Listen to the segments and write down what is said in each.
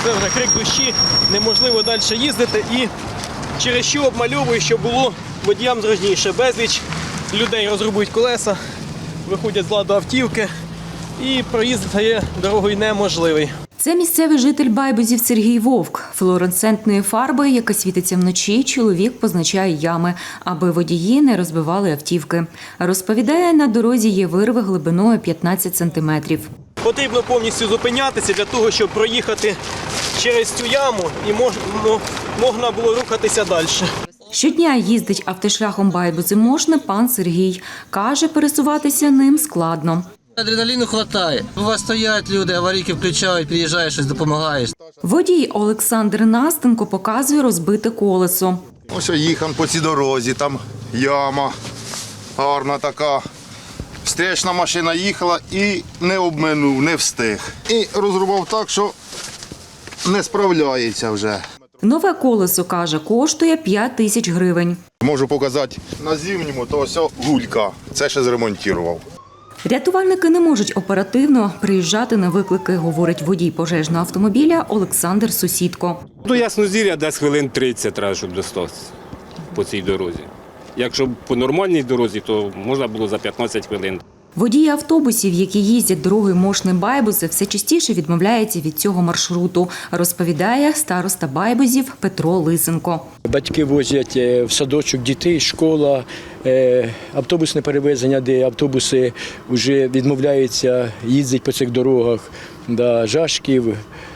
це вже крик душі, неможливо далі їздити і через що обмальовую, щоб було водіям зручніше. Безліч людей розрубують колеса, виходять з ладу автівки і проїзд стає дорогою неможливий. Це місцевий житель Байбузів Сергій Вовк. Флуоресцентною фарбою, яка світиться вночі, чоловік позначає ями, аби водії не розбивали автівки. Розповідає, на дорозі є вирви глибиною 15 сантиметрів. Потрібно повністю зупинятися для того, щоб проїхати через цю яму і можна було рухатися далі. Щодня їздить автошляхом Байбузи-Мошне пан Сергій. Каже, пересуватися ним складно. Адреналіну вистачає. У вас стоять люди, аварійки включають, приїжджаєш, щось допомагаєш. Водій Олександр Настенко показує розбите колесо. Ось їхав по цій дорозі, там яма гарна така. Встречна машина їхала і не обминув, не встиг. І розрубав так, що не справляється вже. Нове колесо, каже, коштує 5 тисяч гривень. Можу показати на зимньому, то ось гулька. Це ще зремонтував. Рятувальники не можуть оперативно приїжджати на виклики, говорить водій пожежного автомобіля Олександр Сусідко. До Яснозір'я десь хвилин 30 треба, щоб достатися по цій дорозі. Якщо по нормальній дорозі, то можна було за 15 хвилин. Водії автобусів, які їздять дорогою Мошне-Байбузи, все частіше відмовляються від цього маршруту, розповідає староста Байбузів Петро Лисенко. Батьки возять в садочок дітей, школа, автобусне перевезення, де автобуси вже відмовляються їздити по цих дорогах. Жашків,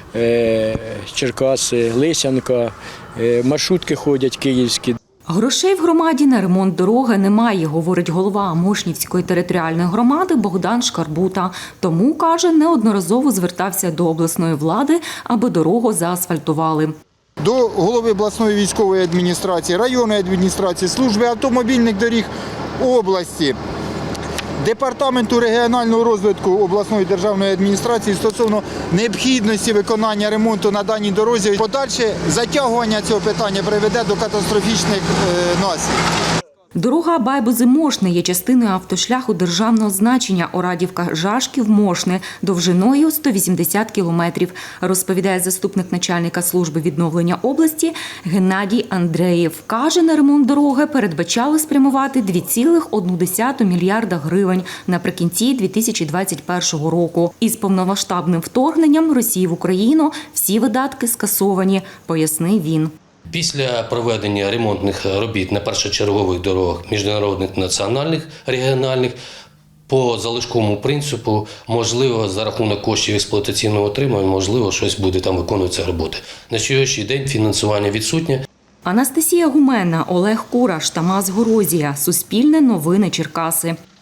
Черкаси, Лисянка, маршрутки ходять київські. Грошей в громаді на ремонт дороги немає, говорить голова Мошнівської територіальної громади Богдан Шкарбута. Тому, каже, неодноразово звертався до обласної влади, аби дорогу заасфальтували. До голови обласної військової адміністрації, районної адміністрації, служби автомобільних доріг області, Департаменту регіонального розвитку обласної державної адміністрації стосовно необхідності виконання ремонту на даній дорозі. Подальше затягування цього питання приведе до катастрофічних наслідків. Дорога Байбузи-Мошне є частиною автошляху державного значення Орадівка-Жашків-Мошне довжиною 180 кілометрів, розповідає заступник начальника служби відновлення області Геннадій Андреєв. Каже, на ремонт дороги передбачали спрямувати 2,1 мільярда гривень наприкінці 2021 року. Із повномасштабним вторгненням Росії в Україну всі видатки скасовані, пояснив він. Після проведення ремонтних робіт на першочергових дорогах міжнародних, національних, регіональних, по залишковому принципу, можливо, за рахунок коштів експлуатаційного отримання, можливо, щось буде там виконуватися роботи. На сьогоднішній день фінансування відсутнє. Анастасія Гумена, Олег Кураш, Тамас Горозія. Суспільне новини Черкаси.